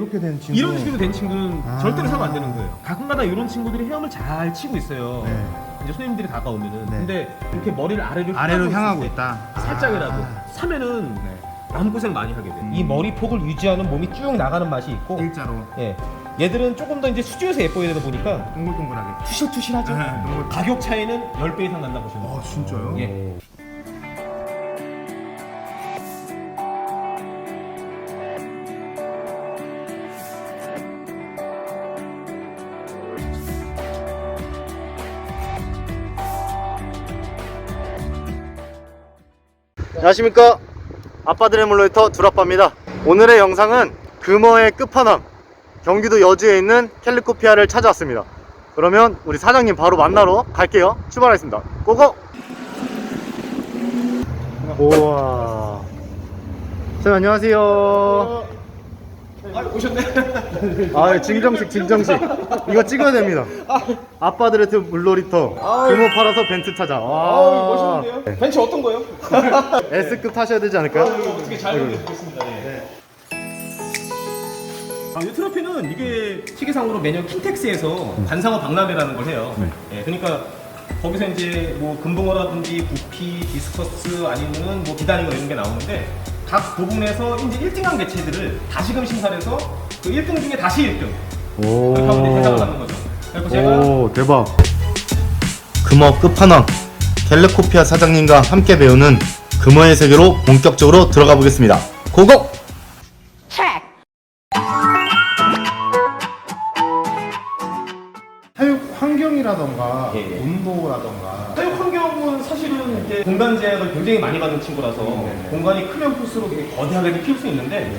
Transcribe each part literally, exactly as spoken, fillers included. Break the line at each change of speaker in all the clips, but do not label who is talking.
이렇게 된 친구.
이런 식으로 된 친구는
아.
절대로 사면 안 되는 거예요. 가끔가다 이런 친구들이 헤엄을 잘 치고 있어요.
네.
이제 손님들이 다가오면은.
네.
근데 이렇게 머리를 아래로
아래로
향하고
향하고
있을 때
있다.
살짝이라도
아.
사면은
네.
마음고생 많이 하게 돼요.
음.
이 머리 폭을 유지하는 몸이 쭉 나가는 맛이 있고,
일자로
예, 얘들은 조금 더 이제 수조에서 예뻐야 되다 보니까
동글동글하게.
투실투실하죠.
네, 동글-
가격 차이는 십 배 이상 난다 보시면 돼요.
아 진짜요?
예.
안녕하십니까, 아빠들의 물놀이터 두라빠입니다. 오늘의 영상은 금어의 끝판왕 경기도 여주에 있는 캘리코피아를 찾아왔습니다. 그러면 우리 사장님 바로 만나러 갈게요. 출발하겠습니다. 고고! 우와, 사장님 안녕하세요.
아, 오셨네.
아, 증정식 증정식 이거 찍어야 됩니다. 아빠들의 물놀이터 금어 팔아서 벤츠 찾아. 와,
아우, 멋있는데요? 벤츠 어떤 거요?
S급 타셔야 되지 않을까요?
어떻게 잘 만들겠습니다. 예. 아, 이 트로피는 이게 시계상으로 매년 킨텍스에서 관상어 박람회라는 걸 해요. 예, 그러니까 거기서 이제 뭐 금붕어라든지 부피, 디스커스 아니면은 뭐 기다리거 이런 게 나오는데 각 부분에서 이제 일 등한 개체들을 다시금 심사해서 그 일 등 중에 다시 일 등
오,
그렇게 하고 이제 대상을 받는 거죠. 그래서 제가
오, 대박. 금어 끝판왕 캘리코피아 사장님과 함께 배우는 금어의 세계로 본격적으로 들어가 보겠습니다. 고고!
사육 환경이라던가
예, 예.
온도라던가.
사육 환경은 사실은 이제 공간 제약을 굉장히 많이 받는 친구라서
네.
공간이 크면 클수록 되게 거대하게 키울 수 있는데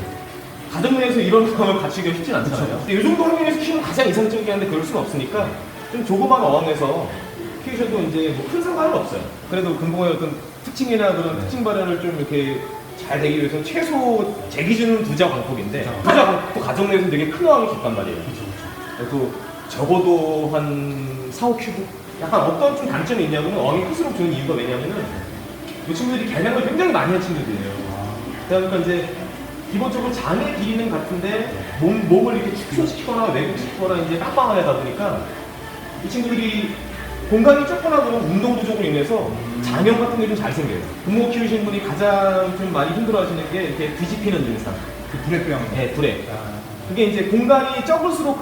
가정 내에서 이런 상황을 갖추기가 쉽진 않잖아요. 근데 이 정도 환경에서 키우면 가장 이상적이긴 한데 그럴 수는 없으니까 좀 조그만 어항에서 키우셔도 이제 뭐 큰 상관은 없어요. 그래도 금붕어의 어떤 특징이나 그런 특징 발현을 좀 이렇게 잘 되기 위해서 최소 제 기준은 두자 광폭인데 두자 광폭도 가정 내에서 되게 큰 어항이 깊단 말이에요. 그래서 적어도 한 사, 오 큐브? 약간 어떤 좀 단점이 있냐면 어항이 클수록 좋은 이유가 왜냐면은 이 친구들이 개량을 굉장히 많이 한 친구들이에요. 그러니까 이제 기본적으로 장의 길이는 같은데 몸, 몸을 이렇게 축소시키거나 왜곡시키거나 이제 빵빵을 하다 보니까 이 친구들이 공간이 좁거나 그런 운동 부족으로 인해서 장염 같은 게 좀 잘 생겨요. 금붕어 키우시는 분이 가장 좀 많이 힘들어 하시는 게 이렇게 뒤집히는 증상.
그 불에병.
네, 불에.
아,
그게 이제 공간이 적을수록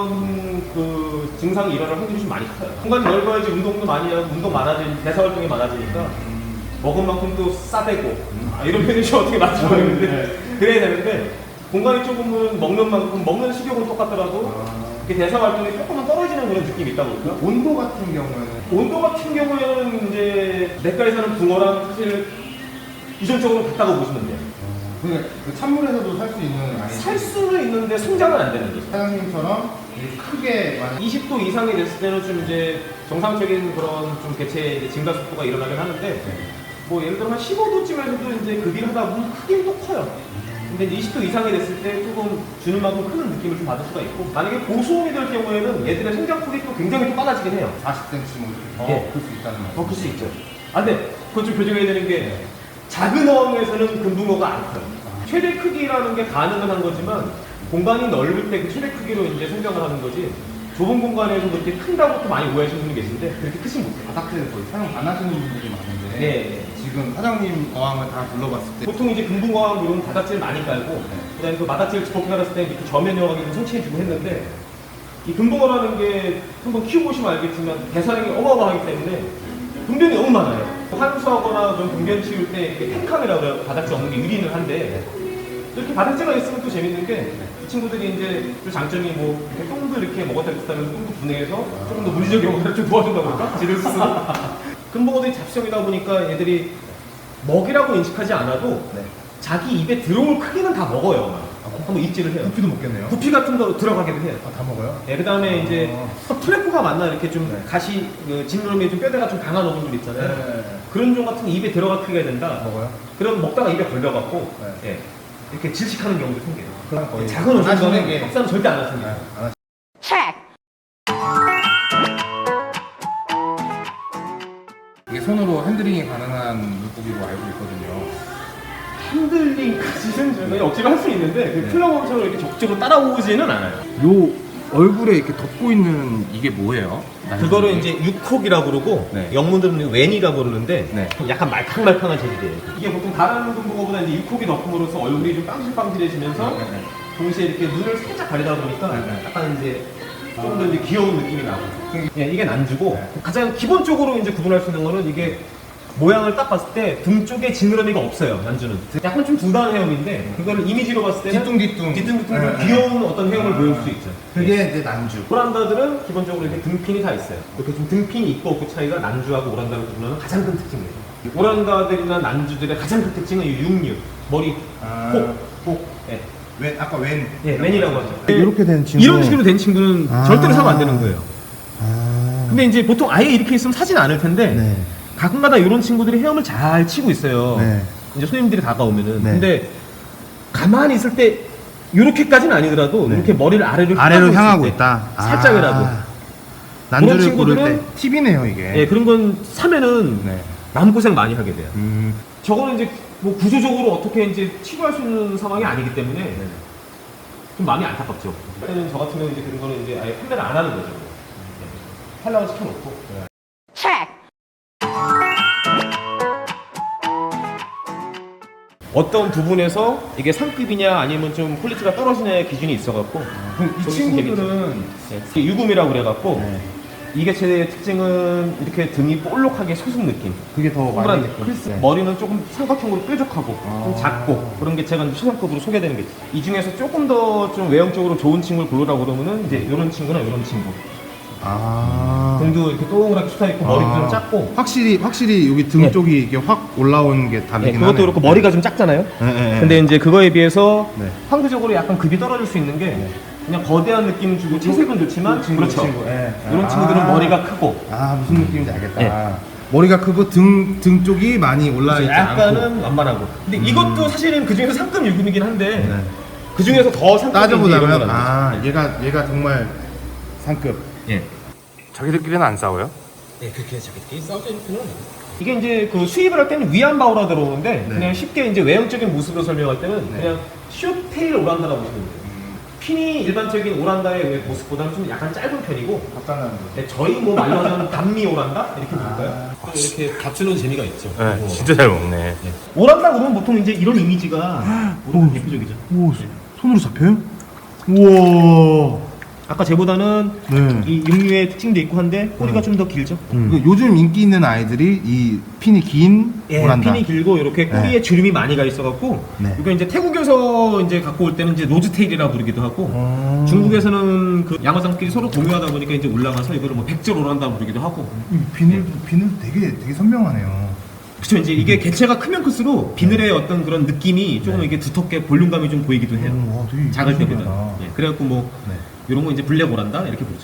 그런 그 증상이 일어날 확률이 좀 많이 커요. 공간이 넓어야지 운동도 많이 하고 운동 많아지니까 대사 활동이 많아지니까 먹은 만큼도 싸대고 아, 이런 표현이 좀 어떻게 맞지 모르겠는데 그래야 되는데 공간이 조금은 먹는 만큼 먹는 식욕은 똑같더라도 이렇게 대사 활동이 조금은 떨어지는 그런 느낌이 있다 보니까
온도 같은 경우에는
온도 같은 경우에는 이제 냇가에 사는 붕어랑 사실 유전적으로 같다고 보시면 돼요.
그러니까 그 찬물에서도 살 수 있는 아이.
살 수는 있는데 성장은 안 되는 거죠.
사장님처럼 이렇게 크게 만약
이십 도 이상이 됐을 때는 좀 이제 정상적인 그런 좀 개체 이제 증가 속도가 일어나긴 하는데 뭐 예를 들어 한 십오 도쯤에서도 이제 급이를 하다 보면 크긴 또 커요. 근데 이제 이십 도 이상이 됐을 때 조금 주는 만큼 큰 느낌을 좀 받을 수가 있고 만약에 고수온이 될 경우에는 얘들의 성장폭이 또 굉장히 또 빨라지긴 해요.
사십 센티미터 뭐 이렇게 더
예.
클 수 있다는 말.
더 클 수 있죠. 아 근데 그것 좀 교정해야 되는 게 작은 어항에서는 금붕어가 안 커요. 최대 크기라는 게 가능은 한 거지만 공간이 넓을 때 그 최대 크기로 이제 성장을 하는 거지 좁은 공간에서 그렇게 큰다고 또 많이 오해하시는 분이 계신데 그렇게 크진 못해요.
바닥재를 거의 사용 안 하시는 분들이 많은데
네.
지금 사장님 어항을 다 둘러봤을 때
보통 이제 금붕어항 이런 바닥재를 많이 깔고 그다음에 그 바닥재를 집어 깔았을 때 이렇게 저면형하게 좀 설치해주고 했는데 이 금붕어라는 게 한번 키워보시면 알겠지만 대사량이 어마어마하기 때문에 분변이 너무 많아요. 환수하거나 좀 분변 치울 때 이렇게 탱카메라고 해요. 바닥재 없는 게 유리는 한데 이렇게 바닥재가 있으면 또 재밌는 게 이 친구들이 이제 또 장점이 뭐 이렇게 똥도 이렇게 먹었다 비슷하면서 똥도 분해해서 조금 더 물리적 영역을 좀 도와준다고 그럴까? 지를 스스로. 금붕어들이 잡식성이다 보니까 얘들이 먹이라고 인식하지 않아도 자기 입에 들어올 크기는 다 먹어요. 한번 입질을 해요.
부피도 먹겠네요.
부피 같은 거 들어가기도 해요.
아, 다 먹어요?
예, 그 다음에 이제
어.
플래프가 맞나 이렇게 좀
네.
가시, 그 진루름에 좀 뼈대가 좀 강한 어분들 있잖아요.
네.
그런 종 같은 게 입에 들어가 크게 된다.
먹어요?
그럼 먹다가 입에 걸려갖고
네.
예, 이렇게 질식하는 경우도 생겨요.
그럼 거의
작은
안 하시는
어종은
게
박사는 절대 안 하십니다.
네, 안 하시- 이게 손으로 핸들링이 가능한 물고기로 알고 있거든요.
핸들링까지는 저희가 억지로 할 수 있는데 그 플러그처럼 이렇게 적극적으로 따라오지는 않아요.
요 얼굴에 이렇게 덮고 있는 이게 뭐예요?
그거를 이제 육콕이라고 그러고
네.
영문들은 웬이라고 부르는데
네.
약간 말캉말캉한 재질이에요. 이게 보통 다른 분보다 이제 육콕이 덮음으로써 얼굴이 좀 빵실빵실해지면서
네, 네.
동시에 이렇게 눈을 살짝 가리다 보니까
네, 네.
약간 이제 조금 더 이제 귀여운 느낌이 나고 예, 이게 난주고 가장 기본적으로 이제 구분할 수 있는 거는 이게 모양을 딱 봤을 때 등 쪽에 지느러미가 없어요. 난주는 약간 좀 두단한 헤엄인데 그거를 이미지로 봤을 때는
뒤뚱뒤뚱.
뒤뚱뒤뚱
네, 네.
귀여운 어떤 헤엄을 보일 수 있죠.
그게 이제 난주.
오란다들은 기본적으로 이렇게 등핀이 다 있어요. 이렇게 좀 등핀이 있고 없고 차이가 난주하고 오란다를 구분하는 가장 큰 특징이에요. 오란다들이나 난주들의 가장 큰 특징은 이 육류, 머리,
아.
콕, 콕, 예,
웬 아까 웬.
예, 맨이라고 하죠.
이렇게 된 친구.
이런 식으로 된 친구는
아.
절대로 사면 안 되는 거예요.
아.
근데 이제 보통 아예 이렇게 있으면 사진 않을 텐데
네.
가끔가다 이런 친구들이 헤엄을 잘 치고 있어요.
네.
이제 손님들이 다가오면은.
네.
근데 가만히 있을 때 이렇게까지는 아니더라도
네.
이렇게 머리를 아래로
아래로
있을
향하고
때
있다.
살짝이라도.
아.
그런
난주를 고를
친구들은-
때 팁이네요 이게.
예, 그런 건 사면은
네.
마음고생 많이 하게 돼요.
음.
저거는 이제 뭐 구조적으로 어떻게 이제 치료할 수 있는 상황이 아니기 때문에 좀 마음이 안타깝죠. 그때는 저 같은 경우는 이제 그런 거는 이제 아예 판매를 안 하는 거죠. 네. 팔라고 시켜놓고. 어떤 부분에서 이게 상급이냐 아니면 좀 퀄리티가 떨어지냐의 기준이 있어갖고
그럼 이
저기
친구들은
네. 이게 유금이라고 그래갖고
네.
이 개체의 특징은 이렇게 등이 볼록하게 솟은 느낌,
그게 더
동그란
많이
느낌.
클스.
네. 머리는 조금 삼각형으로 뾰족하고
아.
좀 작고 그런 개체가 이제 최상급으로 소개되는 게. 이 중에서 조금 더 좀 외형적으로 좋은 친구를 고르라고 그러면은 이제 이런 친구나 이런 친구.
아.
등도 이렇게 동그랗게 솟아 있고 머리도
아.
좀 작고.
확실히 확실히 여기 등
네.
쪽이 이게 확 올라오는 게
네,
다르긴
그것도
하네요.
그렇고 머리가 좀 작잖아요.
네, 네, 네.
근데 이제 그거에 비해서
네.
상대적으로 약간 급이 떨어질 수 있는 게 그냥 거대한 느낌 주고 체색은 좋지만
친구,
그렇죠.
친구, 예.
이런
아.
친구들은 머리가 크고
아 무슨 느낌인지 알겠다.
네.
머리가 크고 등 등 쪽이 많이 올라 있지 않고.
약간은 완만하고. 근데
음.
이것도 사실은 그 중에서 상급 유금이긴 한데
네.
그 중에서 더 상급이
따져보자면
이런
아 얘가 얘가 정말 상급.
예.
자기들끼리는 안 싸워요?
예, 그렇게 자기들끼리 싸우는 편은 이게 이제 그 수입을 할 때는 위안바오라 들어오는데
네.
그냥 쉽게 이제 외형적인 모습으로 설명할 때는
네.
그냥 숏테일 오란다라고 보시면 돼요. 핀이 일반적인 오란다의 모습보다는 좀 약간 짧은 편이고
간단한 거.
네, 저희 뭐 말로 하자면 단미 오란다 이렇게 볼까요? 또 이렇게 받치는 재미가 있죠.
네,
어.
진짜 잘 먹네.
오란다 그러면 보통 이제 이런 이미지가 보통 대표적이죠.
오, 손으로 잡혀요? 우와.
아까 쟤보다는
네.
이 육류의 특징도 있고 한데 꼬리가
음.
좀 더 길죠.
그 요즘 인기 있는 아이들이 이 핀이 긴
예,
오란다.
핀이 길고 이렇게 꼬리에
네.
주름이 많이 가 있어갖고
네.
이거 이제 태국에서 이제 갖고 올 때는 이제 로즈테일이라고 부르기도 하고
음.
중국에서는 그 양어장끼리 서로 공유하다 보니까 이제 올라가서 이거를 뭐 백절 오란다 부르기도 하고.
이 비늘도 비늘도 되게 되게 선명하네요.
그렇죠. 이제 이게 개체가 크면 클수록 비늘의 어떤 그런 느낌이 조금 이게 두텁게 볼륨감이 좀 보이기도 해요.
음, 와, 되게
작을 때보다.
신기하다.
예, 그래갖고 뭐
네.
이런 거 이제 블랙 오란다 이렇게 부르죠.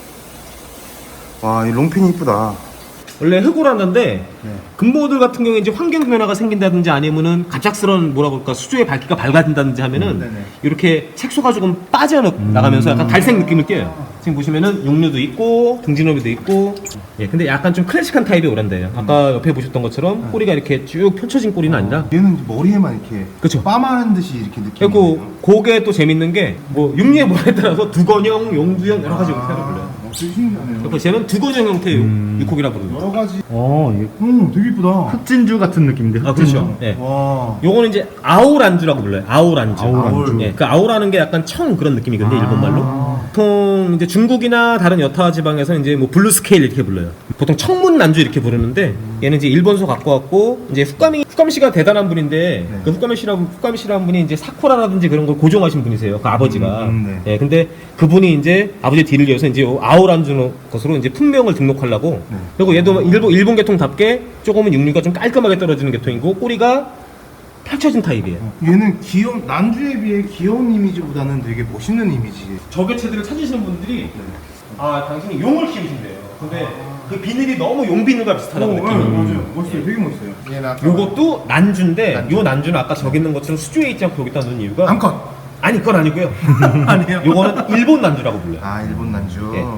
와, 이 롱핀이 이쁘다.
원래 흑오란다인데
네.
금모들 같은 경우에 이제 환경 변화가 생긴다든지 아니면은 갑작스러운 뭐라고 할까 수조의 밝기가 밝아진다든지 하면은
음, 네네.
이렇게 색소가 조금 빠져나가면서 약간 갈색 느낌을 띄어요. 지금 보시면은 육류도 있고 등진어미도 있고. 예, 근데 약간 좀 클래식한 타입의 오란다예요. 아까 옆에 보셨던 것처럼 꼬리가 이렇게 쭉 펼쳐진 꼬리는 아니라.
얘는 이제 머리에만 이렇게
그쵸.
빠마른 듯이 이렇게 느낌이.
그리고 그게 또 재밌는 게 뭐 육류의 모양에 따라서 두건형, 용두형 여러 가지 형태를 불러요.
되게 신기하네요.
그래서 쟤는 두건형 형태의
음.
육콕이라 부르는 거예요.
여러 가지.
어, 이게
음, 되게 이쁘다.
흑진주 같은 느낌인데.
아, 그렇죠. 예.
와.
요거는 이제 아오란주라고 불러요. 아오란주.
아오란주.
예, 그 아오라는 게 약간 청 그런 느낌이거든요,
아.
일본 말로. 보통 이제 중국이나 다른 여타 지방에서 이제 뭐 블루 스케일 이렇게 불러요. 보통 청문 난주 이렇게 부르는데 얘는 이제 일본서 갖고 왔고 이제 후카미 후카미 씨가 대단한 분인데
네.
그 후카미 씨라 후카미 씨라는 분이 이제 사쿠라라든지 그런 걸 고정하신 분이세요. 그 아버지가.
음, 음, 네.
예, 근데 그분이 이제 아버지 뒤를 이어서 이제 아오란주 것으로 이제 품명을 등록하려고.
네.
그리고 얘도 일본 일본 계통답게 조금은 육류가 좀 깔끔하게 떨어지는 계통이고 꼬리가 펼쳐진 타입이에요.
얘는 귀여운 난주에 비해 귀여운 이미지보다는 되게 멋있는 이미지.
저 개체들을 찾으시는 분들이 아 당신이 용을 키우신대요. 근데 그 비늘이 너무 용 비늘과 비슷하다고 느끼는.
맞아요. 멋있어요. 되게 멋있어요. 얘는 아까
요것도 난주인데
난주.
요 난주는 아까 저기 있는 것처럼 수조에 있지 않고 여기다 넣은 이유가
암컷.
아니 그건 아니고요.
아니에요.
요거는 일본 난주라고 불러요.
아, 일본 난주.
예.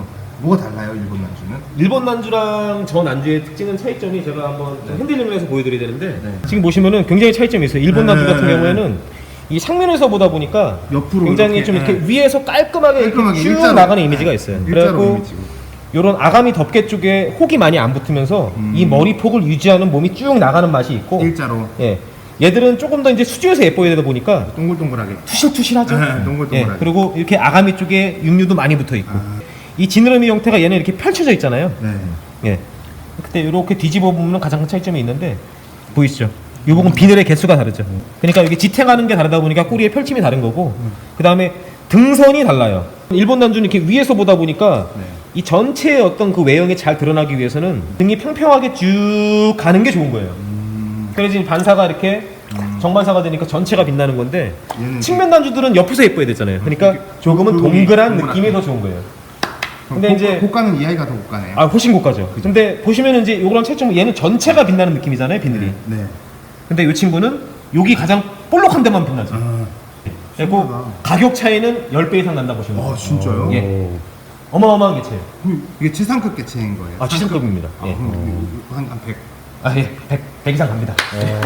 뭐가 달라요, 일본 난주는?
일본 난주랑 저 난주의 특징은 차이점이 제가 한번 좀 핸들링을 해서 보여드려야 되는데
네.
지금 보시면은 굉장히 차이점이 있어요. 일본
네,
난주 같은
네, 네.
경우에는 이 상면에서 보다 보니까
옆으로
굉장히
이렇게,
좀 이렇게
네.
위에서 깔끔하게,
깔끔하게
이렇게 쭉
일자로.
나가는 이미지가 있어요.
일자로
그래갖고
이미지고.
요런 아가미 덮개 쪽에 혹이 많이 안 붙으면서
음.
이 머리 폭을 유지하는 몸이 쭉 나가는 맛이 있고
일자로
예. 얘들은 조금 더 이제 수지에서 예뻐야 되다 보니까
동글동글하게.
투실투실하죠.
네, 동글동글하게.
예. 그리고 이렇게 아가미 쪽에 육류도 많이 붙어 있고
아.
이 지느러미 형태가 얘는 이렇게 펼쳐져 있잖아요.
네.
예. 그때 이렇게 뒤집어 보면 가장 큰 차이점이 있는데 보이시죠? 요복은 비늘의 개수가 다르죠. 그러니까 여기 지탱하는 게 다르다 보니까 꼬리의 펼침이 다른 거고 그 다음에 등선이 달라요. 일본 난주는 이렇게 위에서 보다 보니까
네.
이 전체의 어떤 그 외형이 잘 드러나기 위해서는 등이 평평하게 쭉 가는 게 좋은 거예요.
음.
그래서 지금 반사가 이렇게
음.
정반사가 되니까 전체가 빛나는 건데
얘는
측면 난주들은 옆에서 예뻐야 되잖아요. 그러니까 조금은
굵은
동그란
동그랗게.
느낌이 더 좋은 거예요.
근데
근데
이제
이제-
고가는 이 아이가 더 고가네요.
아 훨씬 고가죠. 근데 보시면은 이제 요거랑 차이점은 얘는 전체가 빛나는 느낌이잖아요, 비늘이.
네.
근데 이 친구는 여기 가장 볼록한 데만 빛나죠.
아,
그리고
신기하다.
가격 차이는 십 배 이상 난다 보시면 돼요.
아 진짜요?
예. 어마어마한 개체예요.
그럼 이게 최상급 개체인 거예요?
아, 최상급입니다.
아,
예.
그럼 한, 한 백.
아, 예. 백, 백 이상 갑니다.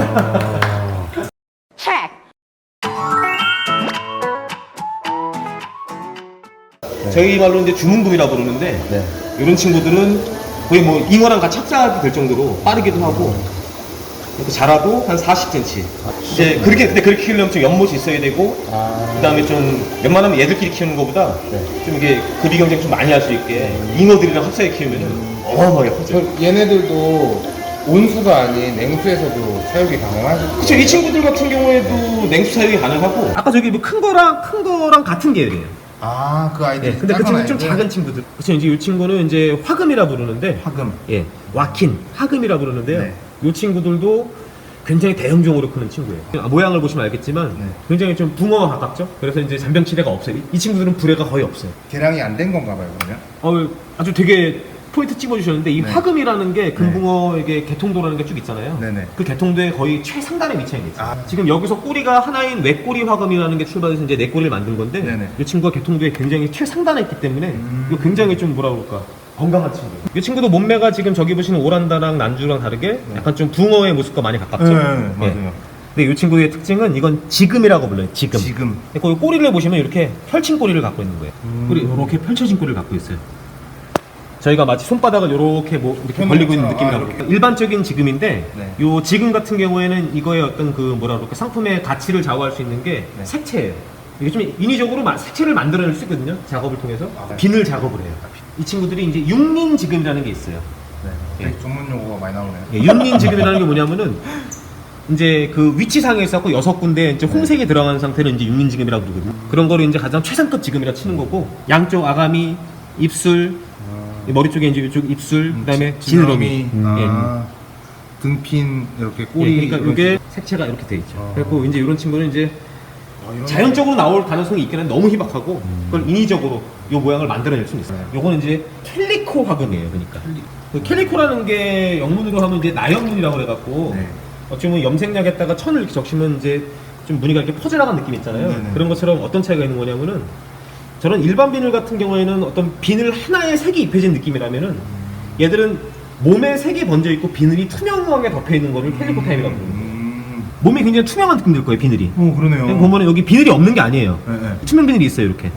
저희 말로 이제 주문금이라고 부르는데
네.
이런 친구들은 거의 뭐 잉어랑 같이 합작이 될 정도로 빠르기도 하고 이렇게 자라도 한 사십 센티미터. 이제 그렇게 근데 그렇게 키우려면 좀 연못이 있어야 되고
아.
그다음에 좀 웬만하면 얘들끼리 키우는 것보다
네.
좀 이게 급이 경쟁 좀 많이 할 수 있게 잉어들이랑 합사해 키우면은 어마어마하게 커져요.
저 얘네들도 온수가 아닌 냉수에서도 사육이 가능하죠?
그쵸, 이 친구들 같은 경우에도 냉수 사육이 가능하고 아까 저기 뭐 큰 거랑 큰 거랑 같은 계열이에요.
아, 그 아이들.
예, 근데 그 친구 좀 작은 친구들. 그쵸, 이제 이 친구는 이제 화금이라 부르는데
화금.
예, 와킨, 화금이라 부르는데요.
네.
이 친구들도 굉장히 대형종으로 크는 친구예요. 아, 모양을 보시면 알겠지만
네.
굉장히 좀 붕어와 가깝죠. 그래서 이제 잔병치레가 없어요. 이- 이 친구들은 불에가 거의 없어요.
개량이 안 된 건가 봐요, 그러면?
어, 아주 되게 포인트 찍어주셨는데 이
네.
화금이라는 게 금붕어에게 개통도라는 게 쭉 있잖아요.
네네.
그 개통도의 거의 최상단에 위치해 있어요.
아.
지금 여기서 꼬리가 하나인 외꼬리 화금이라는 게 출발해서 이제 네 꼬리를 만든 건데
네네.
이 친구가 개통도에 굉장히 최상단에 있기 때문에
음.
이거 굉장히 좀 뭐라 그럴까 건강한 친구예요. 이 친구도 몸매가 지금 저기 보시는 오란다랑 난주랑 다르게 약간 좀 붕어의 모습과 많이 가깝죠.
네,
예.
맞아요.
근데 이 친구의 특징은 이건 지금이라고 불러요. 지금.
지금.
그 꼬리를 보시면 이렇게 펼친 꼬리를 갖고 있는 거예요.
음.
꼬리 이렇게 펼쳐진 꼬리를 갖고 있어요. 저희가 마치 손바닥을 이렇게 뭐 이렇게
펴놓은
벌리고 있는
것처럼.
느낌이라고
아,
그럴까요? 일반적인 지금인데
네.
요 지금 같은 경우에는 이거의 어떤 그 뭐라 그럴까 상품의 가치를 좌우할 수 있는 게
네.
색채예요. 이게 좀 인위적으로 마- 색채를 만들어낼 수 있거든요. 작업을 통해서
아, 네.
비늘 작업을 해요. 이 친구들이 이제 육린 지금이라는 게 있어요.
네. 되게 전문 용어가 많이 나오네요.
예, 육린 지금이라는 게 뭐냐면은 이제 그 위치상에 있었고 여섯 군데 이제 홍색이 들어간 상태를 이제 육린 지금이라고 부르거든요. 그런 거를 이제 가장 최상급 지금이라 치는 거고 양쪽 아가미, 입술, 이 머리 쪽에 이제 이쪽 입술, 그다음에 지느러미. 음, 예.
아, 등핀, 이렇게 꼬리.
예, 그러니까
이런
이게 색채가 이렇게 돼 있죠.
아.
그래서 이제 이런 친구는 이제
식으로. 아, 이런
자연적으로 나올 가능성이 있긴 한데 너무 희박하고 그걸 인위적으로 이 모양을 만들어낼 수는 있어요. 요거는 이제 캘리코 화금이에요. 그러니까 그 캘리코라는 게 영문으로 하면 이제 나연문이라고 그래갖고
네.
어찌 보면 염색약에다가 천을 이렇게 적시면 이제 좀 무늬가 이렇게 퍼져나간 느낌 있잖아요.
네네.
그런 것처럼 어떤 차이가 있는 거냐면은 저런 일반 비늘 같은 경우에는 어떤 비늘 하나에 색이 입혀진 느낌이라면은 얘들은 몸에 색이 번져 있고 비늘이 투명하게 덮여 있는 거를 캘리코 타입이라고 부릅니다.
음.
몸이 굉장히 투명한 느낌 들 거예요, 비늘이.
오, 그러네요.
여기 보면은 여기 비늘이 없는 게 아니에요.
네, 네.
투명 비늘이 있어요, 이렇게.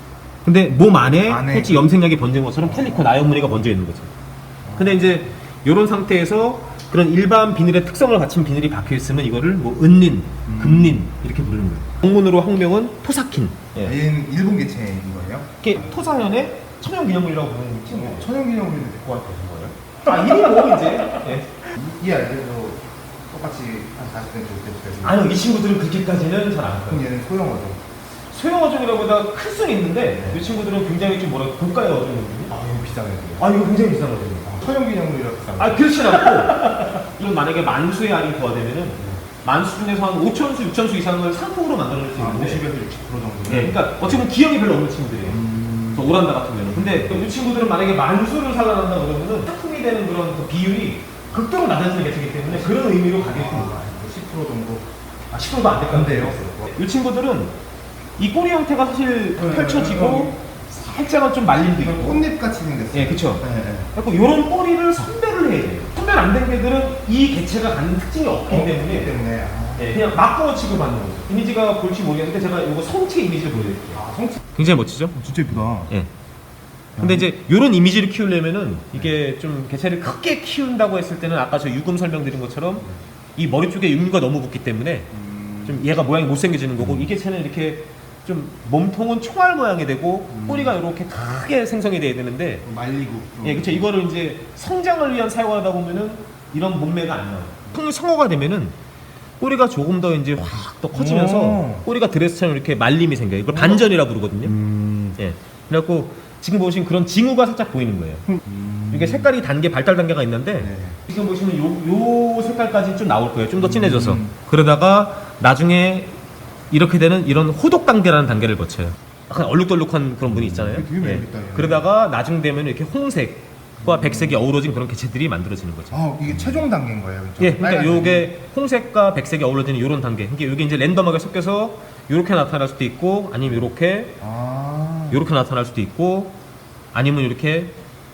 근데 몸 안에
안에.
실제 염색약이 번진 것처럼 캘리코 나연무늬가 번져 있는 거죠. 근데 이제 이런 상태에서 그런 일반 비늘의 특성을 갖춘 비늘이 박혀 있으면 이거를 뭐 은린,
음.
금린 이렇게 부르는 거예요. 학문으로 학명은 토사킨. 예.
얘는 일본 개체인 거예요?
이게 토사현의 천연기념물이라고 부르는 친구예요.
천연기념물인데 데리고 왔다는 거예요?
아, 이름이 뭐 이제? 예.
이, 이 아이들도 똑같이 한 사십 센티미터 되까지.
아니요, 이 친구들은 그렇게까지는 잘 안 커요.
그럼 얘는 소형어종.
소형 어종이라보다 클 수는 있는데
네.
이 친구들은 굉장히 좀 뭐랄까 고가의 어종이거든요.
아, 이거 비싸네요.
아 이거 굉장히 비싼 어종이에요.
천연기념물이라 비싼 거.
아 그렇진 않고 이건 만약에 만수의 알이 부과되면은 만수 중에서 한 오천수, 육천수 이상을 상품으로 만들어낼 수
아,
있는데
오십에서 육십 퍼센트 정도.
예, 그러니까 어찌 보면 기억이 별로 없는 친구들이에요.
음.
저 오란다 같은 경우는. 근데 이 친구들은 만약에 만수를 살아난다 그러면은 상품이 되는 그런 그 비율이 극도로 낮아지는 개체이기 때문에 그런 의미로 가격이 큰 거예요.
십 퍼센트 정도.
아, 십 퍼센트도 안 될까요? 이 친구들은 이 꼬리 형태가 사실
네,
펼쳐지고 살짝은 좀 말림도 있고.
꽃잎 같이 생겼어요.
예, 그쵸.
네, 네.
그래서 이런 꼬리를 선별을 해야 돼요. 선별 안 된 개들은 이 개체가 갖는 특징이 없기
어,
때문에
그렇기 때문에. 아,
예, 그냥 막구어 취급하는 거죠. 이미지가 볼지 모르겠는데 제가 이거 성체 이미지를 보여드릴게요.
아, 성체
굉장히 멋지죠?
진짜 예쁘다.
예. 근데 이제 이런 이미지를 키우려면은 이게 좀 개체를 크게 키운다고 했을 때는 아까 저 유금 설명드린 것처럼 이 머리 쪽에 육류가 너무 붙기 때문에 좀 얘가 모양이 못생겨지는 거고 이 개체는 이렇게 좀 몸통은 총알 모양이 되고 꼬리가 이렇게 크게 생성이 돼야 되는데
말리고.
예, 그렇죠. 이거를 이제 성장을 위한 사용하다 보면은 이런 몸매가 안 나와요. 성- 성어가 되면은 꼬리가 조금 더 이제 확 더 커지면서
오.
꼬리가 드레스처럼 이렇게 말림이 생겨요. 이걸 반전이라 부르거든요.
음.
예. 그래갖고 지금 보신 그런 징후가 살짝 보이는 거예요.
음.
이게 색깔이 단계, 발달 단계가 있는데
네.
지금 보시면 요, 요 색깔까지 좀 나올 거예요. 좀 더 진해져서.
음.
그러다가 나중에 이렇게 되는 이런 호독 단계라는 단계를 거쳐요. 약간 얼룩덜룩한 그런 분이 있잖아요.
되게 재밌다, 얘는.
그러다가 나중 되면 이렇게 홍색과 백색이 어우러진 그런 개체들이 만들어지는 거죠.
아, 이게 최종 단계인 거예요. 그렇죠?
예, 그러니까
빨간색이.
요게 홍색과 백색이 어우러지는 이런 단계. 이게 요게 이제 랜덤하게 섞여서 이렇게 나타날 수도 있고 아니면 이렇게
아.
이렇게 나타날 수도 있고 아니면 이렇게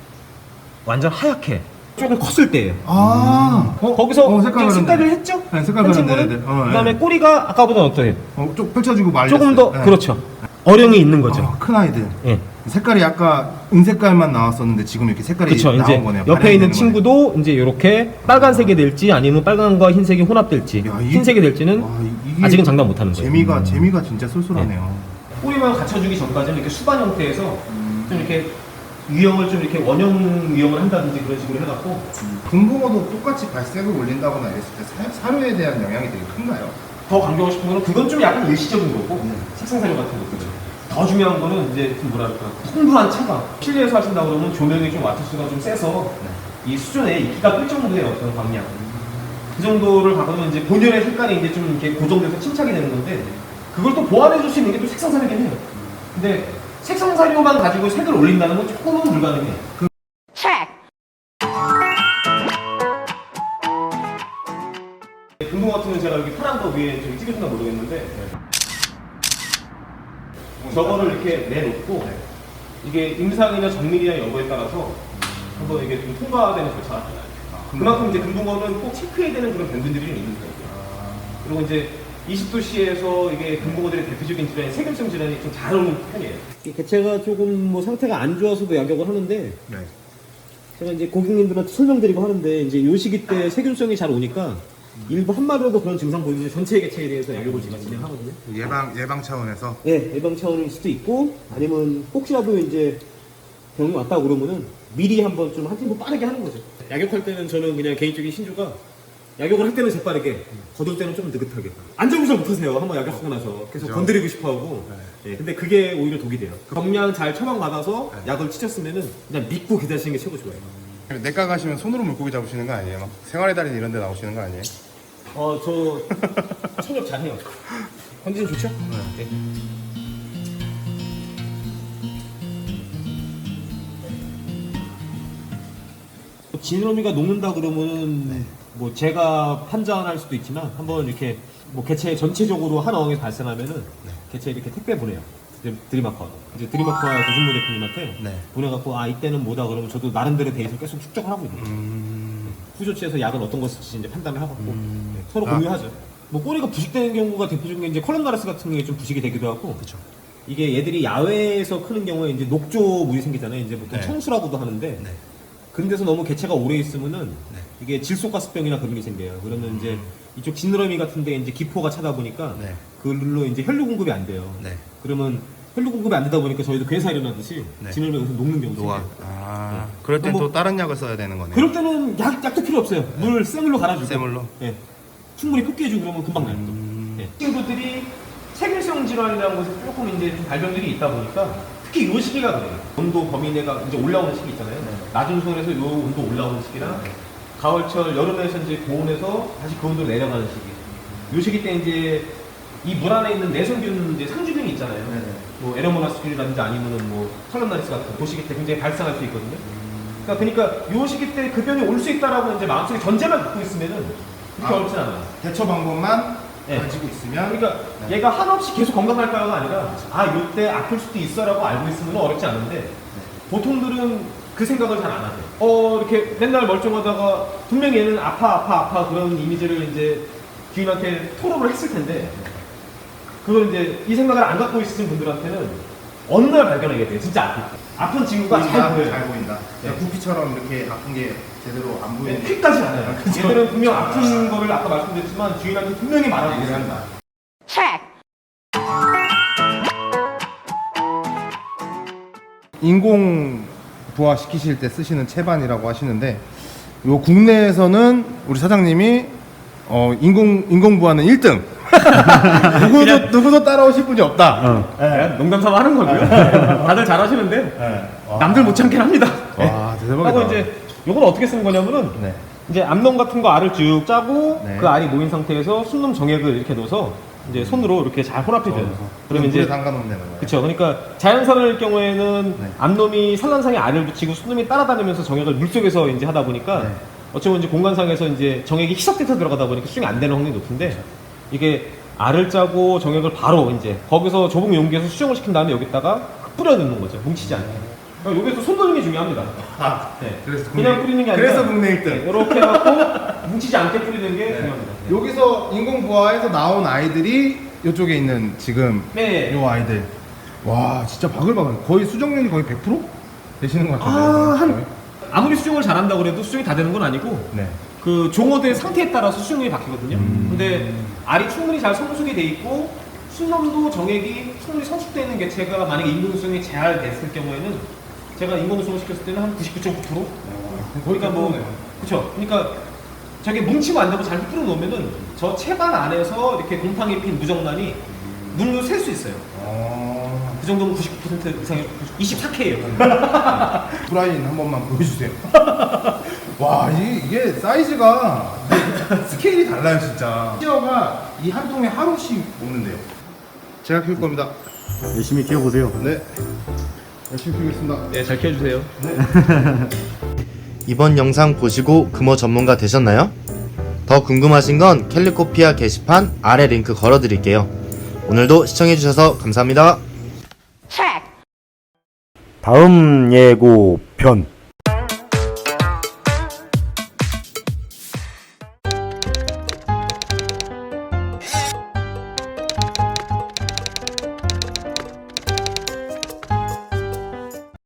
완전 하얗게 조금 컸을 때예요.
아. 어,
거기서
어,
이제
색깔
색깔을
그런데.
했죠?
네, 색깔
한
그런데,
친구는
네, 네. 어,
그다음에
네.
꼬리가 아까보다 어때요?
어, 좀 펼쳐지고 말렸어요.
조금 더
네.
그렇죠. 어령이 있는 거죠.
아, 큰 아이들.
예.
색깔이 아까 은색깔만 나왔었는데 지금 이렇게 색깔이
그렇죠.
나온
이제
거네요.
옆에
반영이
있는
되는
친구도 이제 이렇게 빨간색이 될지 아니면 빨간과 흰색이 혼합될지
거네요. 야, 이-
흰색이 될지는
와, 이- 이게
아직은 장담 못 하는 거예요.
재미가 재미가 진짜 쏠쏠하네요.
꼬리만 갖춰주기 전까지는 이렇게 수반 형태에서
음.
좀 이렇게 유형을 좀 이렇게 원형 유형을 한다든지 그런 식으로 해갖고
금붕어도 똑같이 발색을 올린다거나 이랬을 때 사, 사료에 대한 영향이 되게 큰가요?
더 강조하고 싶은 거는 그건 좀 약간 일시적인 거고
네.
색상사료 같은 거죠. 더 중요한 거는 이제 좀 뭐랄까 풍부한 차가 실내에서 하신다 그러면 조명이 좀 와트수가 좀 세서 이 수준에 있기가 뜰 정도의 어떤 광량 그 정도를 받으면 이제 본연의 색깔이 이제 좀 이렇게 고정돼서 침착이 되는 건데 그걸 또 보완해 줄 수 있는 게 또 색상사료긴 해요. 근데 색상사료만 가지고 색을 올린다는 건 조금은 불가능해. 그 금붕어 같은 경우는 제가 여기 파란 거 위에 저기 찍어준다 모르겠는데 저거를 이렇게 내놓고 이게 임상이나 정밀이나 여부에 따라서 한번 이게 좀 통과되는 절차가 있어요. 그만큼 이제 금붕어는 꼭 체크해야 되는 그런 병균들이 좀 있는 거예요. 그리고 이제 이십 도씨에서 이게 금붕어들의 대표적인 질환이 세균성 질환이 좀 잘 오는 편이에요. 이 개체가 조금 뭐 상태가 안 좋아서도 약역을 하는데
네.
제가 이제 고객님들한테 설명드리고 하는데 이제 요 시기 때 세균성이 잘 오니까 일부 한 마리라도 그런 증상 보이면 전체 개체에 대해서 약역을 제가 진행하거든요.
예방 예방 차원에서
예, 예방 차원일 수도 있고 아니면 혹시라도 이제 병이 왔다 그러면은 미리 한번 좀 한 팀보 빠르게 하는 거죠. 약역할 때는 저는 그냥 개인적인 신조가 약역을 할 때는 재빠르게, 거둘 때는 좀 느긋하게. 안절부절 못하세요. 한번 약역하고 나서 계속
그죠.
건드리고 싶어하고. 예, 근데 그게 오히려 독이 돼요. 경량 잘 처방 받아서 약을 치셨으면은 그냥 믿고 기다리시는 게 최고 좋아요.
내과 가시면 손으로 물고기 잡으시는 거 아니에요? 막 생활의 달인 이런 데 나오시는 거 아니에요?
어, 저 청력 잘해요. 컨디션 좋죠? 네. 지느러미가 녹는다 그러면은 뭐 제가 판단할 수도 있지만 한번 이렇게 뭐 개체 전체적으로 한 어항에서 발생하면은 개체 이렇게 택배 보내요. 이제 드리마커 이제 드리마커와 조준모 대표님한테
네.
보내갖고 아 이때는 뭐다 그러면 저도 나름대로 데이터 계속 축적을 하고 있는 거예요.
음.
후조치에서 약은 어떤 거 쓸지 이제 판단을 하고
음.
네, 서로
아.
공유하죠. 뭐 꼬리가 부식되는 경우가 대표적인 게 이제 컬럼나레스 같은 게 좀 부식이 되기도 하고.
그렇죠.
이게 얘들이 야외에서 크는 경우에 이제 녹조 물이 생기잖아요. 이제 보통
네.
청수라고도 하는데.
네.
근데서 너무 개체가 오래 있으면은
네.
이게 질소가스병이나 그런 게 생겨요. 그러면 이제 이쪽 지느러미 같은데 이제 기포가 차다 보니까
네.
그걸로 이제 혈류 공급이 안 돼요.
네.
그러면 혈류 공급이 안 되다 보니까 저희도 괴사 일어나듯이
네.
지느러미가 여기서 녹는 경우가
노화.
생겨요.
아.
네.
그럴 땐
뭐-
또 다른 약을 써야 되는 거네요.
그럴 때는 약, 약도 필요 없어요. 물 쇠물로 갈아주고.
쇠물로?
예. 충분히 흡기해주고 그러면 금방 나요.
음.
예. 친구들이 세균성 질환이라는 것에 조금 이제 좀 발병들이 있다 보니까 특히 이 시기가 그래요. 온도 범위 내가 이제 올라오는 시기 있잖아요. 낮은 수온에서 이 온도 올라오는 시기랑 가을철, 여름에서 이제 고온에서 다시 그 온도로 내려가는 시기. 이 시기 때 이제 이 물 안에 있는 내성균 이제 상주균이 있잖아요.
네네.
뭐 에러모나스균이라든지 아니면은 뭐 찰럼나리스 같은 그 시기 때 굉장히 발생할 수 있거든요. 그러니까, 그러니까 이 시기 때 그 병이 올 수 있다라고 이제 마음속에 전제만 갖고 있으면은 그렇게
아.
어렵진 않아요.
대처 방법만
네.
가지고 있으면
그러니까 얘가 한없이 계속 건강할까요가 아니라 아 이때 아플 수도 있어라고 알고 있으면 어렵지 않은데 보통들은 그 생각을 잘 안 하죠. 어 이렇게 맨날 멀쩡하다가 분명히 얘는 아파 아파 아파 그런 이미지를 이제 주인한테 토로를 했을 텐데 그걸 이제 이 생각을 안 갖고 있으신 분들한테는 어느 날 발견하게 돼요. 진짜 아플 때. 아픈 친구가 잘
보인다,
보여요.
잘 보인다.
네.
구피처럼 이렇게 아픈 게 제대로 안
네,
보이는.
퀵까지 않아요. 얘들은 분명 아픈 거를 아까 말씀드렸지만 주인한테 분명히 말하고
얘기를
있어요.
한다. 인공 부화 시키실 때 쓰시는 채반이라고 하시는데 요 국내에서는 우리 사장님이 어 인공 인공 부화는 일 등. 누구도 누구도 따라오실 분이 없다.
그냥 농담삼아 하는 거고요. 다들 잘하시는데 남들 못참게 합니다.
와, 대박이다.
하고 이제 요건 어떻게 쓰는 거냐면은
네.
이제 암놈 같은 거 알을 쭉 짜고
네.
그 알이 모인 상태에서 순놈 정액을 이렇게 넣어서 이제 손으로 이렇게 잘 혼합해줘요.
그러면
그러면
물에
이제
담가 놓으면 되는 거예요.
그쵸. 그러니까 자연산을 경우에는
네.
암놈이 산란상에 알을 붙이고 순놈이 따라다니면서 정액을 물속에서 이제 하다 보니까
네.
어찌 보면 이제 공간상에서 이제 정액이 희석돼서 들어가다 보니까 수정이 안 되는 확률이 높은데 이게 알을 짜고 정액을 바로 이제 거기서 좁은 용기에서 수정을 시킨 다음에 여기다가 뿌려 넣는 거죠. 뭉치지 않게. 그러니까 여기서 손 넣는 게 중요합니다.
아,
네.
그래서
그냥
국내-
뿌리는 게 아니라
그래서 국내 일 등.
네, 이렇게 해갖고 뭉치지 않게 뿌리는 게 중요합니다. 네.
여기서 인공 부화에서 나온 아이들이 이쪽에 있는 지금
네.
요 아이들. 와, 진짜 바글바글. 거의 수정률이 거의 백 퍼센트 되시는 것 같은데.
아, 한 아무리 수정을 잘한다고 그래도 수정이 다 되는 건 아니고
네.
그 종어대 상태에 따라서 수정률이 바뀌거든요.
음.
근데 알이 충분히 잘 성숙이 돼 있고 순놈도 정액이 충분히 성숙되어 있는 개체가 만약에 인공수정이 잘 됐을 경우에는 제가 인공수정을 시켰을 때는 한 구십구 점 구 퍼센트? 그러니까 뭐 그렇죠. 그러니까 저게 뭉치고 안 되고 잘 뿌려 놓으면은 저 채반 안에서 이렇게 곰팡이 핀 무정란이 눈으로 셀 수 있어요.
어...
그 정도면 구십구 퍼센트 이상이 이십사 케이예요.
브라인 한 번만 보여주세요. 와, 이게, 이게 사이즈가 스케일이 달라요, 진짜. 티어가 이 한 통에 하루씩 먹는데요. 제가 키울 겁니다.
열심히 키워보세요.
네. 열심히 키우겠습니다.
네, 잘 키워주세요.
이번 영상 보시고 금어 전문가 되셨나요? 더 궁금하신 건 캘리코피아 게시판 아래 링크 걸어드릴게요. 오늘도 시청해주셔서 감사합니다. 다음 예고편